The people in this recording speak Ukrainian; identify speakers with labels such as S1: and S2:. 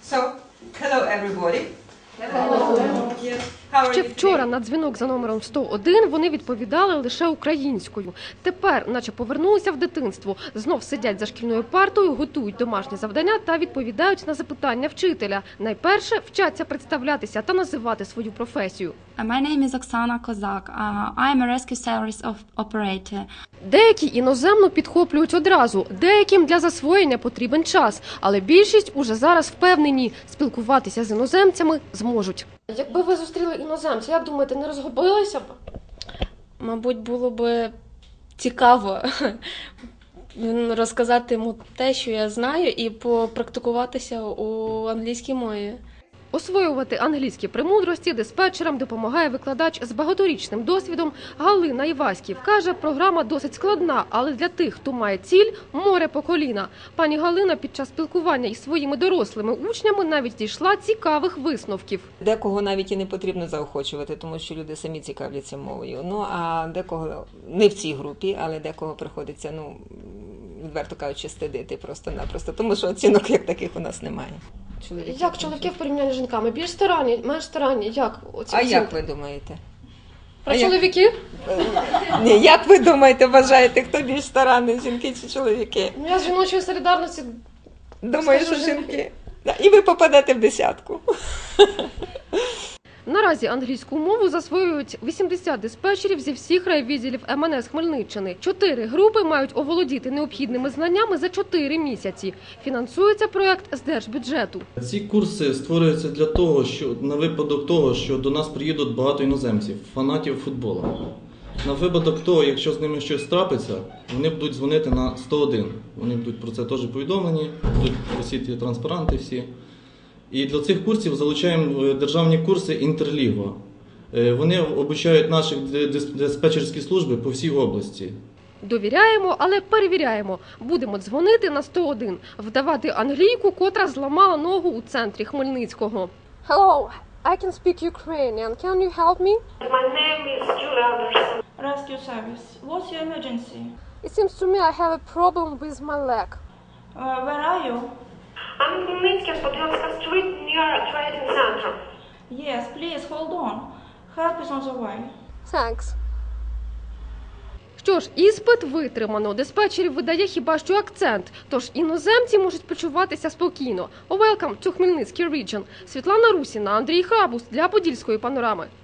S1: So, hello everybody.
S2: Ще вчора на дзвінок за номером 101 вони відповідали лише українською. Тепер, наче повернулися в дитинство, знов сидять за шкільною партою, готують домашні завдання та відповідають на запитання вчителя. Найперше вчаться представлятися та називати свою професію.
S3: My name is Oksana Kozak. I am a rescue service operator.
S2: Деякі іноземну підхоплюють одразу, деяким для засвоєння потрібен час, але більшість уже зараз впевнені, спілкуватися з іноземцями зможуть. Якби ви зустріли іноземця, як думаєте, не розгубилися б?
S4: Мабуть, було б цікаво розказати йому те, що я знаю, і попрактикуватися у англійській мові.
S2: Освоювати англійські премудрості диспетчерам допомагає викладач з багаторічним досвідом Галина Іваськів. Каже, програма досить складна, але для тих, хто має ціль – море по коліна. Пані Галина під час спілкування із своїми дорослими учнями навіть дійшла цікавих висновків.
S1: Декого навіть і не потрібно заохочувати, тому що люди самі цікавляться мовою. Ну, а декого, не в цій групі, але декого приходиться, відверто кажучи, стидити просто-напросто, тому що оцінок як таких у нас немає.
S2: Як чоловіки в порівнянні з жінками? Більш старанні, менш старанні? Як оці оцінки?
S1: Як ви думаєте?
S2: Про чоловіків?
S1: Ні, як ви думаєте, вважаєте, хто більш старанний, жінки чи чоловіки?
S2: Я з жіночої солідарності
S1: Думаю, що жінки. І ви попадете в десятку.
S2: Наразі англійську мову засвоюють 80 диспетчерів зі всіх райвідділів МНС Хмельниччини. 4 групи мають оволодіти необхідними знаннями за 4 місяці. Фінансується проект з держбюджету.
S5: Ці курси створюються для того, що на випадок того, що до нас приїдуть багато іноземців, фанатів футболу. На випадок того, якщо з ними щось трапиться, вони будуть дзвонити на 101. Вони будуть про це теж повідомлені, будуть висіти транспаранти всі. І для цих курсів залучаємо державні курси «Інтерліго». Вони обучають наші диспетчерські служби по всій області.
S2: Довіряємо, але перевіряємо. Будемо дзвонити на 101, вдавати англійку, котра зламала ногу у центрі Хмельницького. Hello, I can speak Ukrainian. Can you help me?
S6: My name is Julia Anderson.
S7: Rescue service. What's your emergency?
S2: It seems to me I have a problem with my leg.
S7: Where are you?
S6: I'm in Khmelnytskyi, Podilska Street near Trading Center.
S7: Yes, please hold on. Help is on the way.
S2: Thanks. Що ж, іспит витримано. Диспетчерів видає хіба що акцент. Тож іноземці можуть почуватися спокійно. Welcome to Хмельницький region. Світлана Русіна, Андрій Хабус для Подільської панорами.